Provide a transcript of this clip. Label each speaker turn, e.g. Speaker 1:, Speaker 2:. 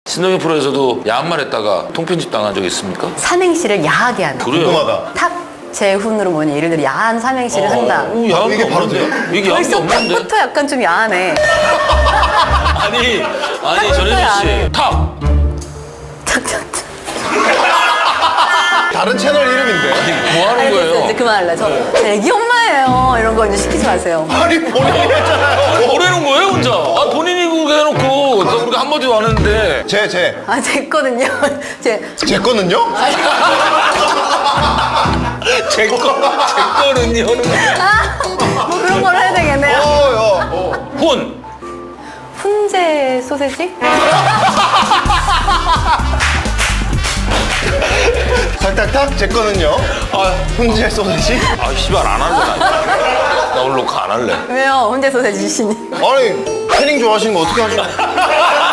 Speaker 1: 신동엽 프로에서도 야한 말 했다가 통편집 당한 적 있습니까?
Speaker 2: 삼행시를 야하게 하는.
Speaker 1: 그래요?
Speaker 3: 궁금하다.
Speaker 2: 탁 재훈으로 뭐냐 예를 들어 야한 삼행시를 한다.
Speaker 1: 오, 야한
Speaker 3: 이게
Speaker 1: 게
Speaker 3: 바로
Speaker 1: 없는데?
Speaker 3: 돼요?
Speaker 1: 이게 야한 게
Speaker 2: 벌써
Speaker 1: 없는데?
Speaker 2: 탁부터 약간 좀 야하네.
Speaker 1: 아니
Speaker 2: 탁부터
Speaker 1: 전혜진
Speaker 2: 야하네.
Speaker 1: 씨 탁!
Speaker 2: 탁탁탁.
Speaker 3: 다른 채널 이름인데.
Speaker 1: 뭐 하는
Speaker 2: 알겠어요.
Speaker 1: 거예요?
Speaker 2: 이제 그만할래. 저 애기 엄마예요. 이런 거 이제 시키지 마세요.
Speaker 3: 아니 본인이 했잖아요.
Speaker 1: 보내는 거예요 혼자? 아 본인이 그거 해놓고 또 우리가 한마디도 안 했는데
Speaker 3: 제
Speaker 2: 아, 됐거든요.
Speaker 3: 제 거는요?
Speaker 1: 제 거는요?
Speaker 2: 뭐 그런 걸 해야 되겠네요.
Speaker 1: 혼!
Speaker 2: 훈제 소세지?
Speaker 3: 탁탁탁 제 거는요?
Speaker 1: 아,
Speaker 3: 훈제 소세지?
Speaker 1: 아 씨발 안 할래 나 오늘 녹화 안 할래
Speaker 2: 왜요? 훈제 소세지 시니.
Speaker 3: 아니 패닝 좋아하시는 거 어떻게 하시나요?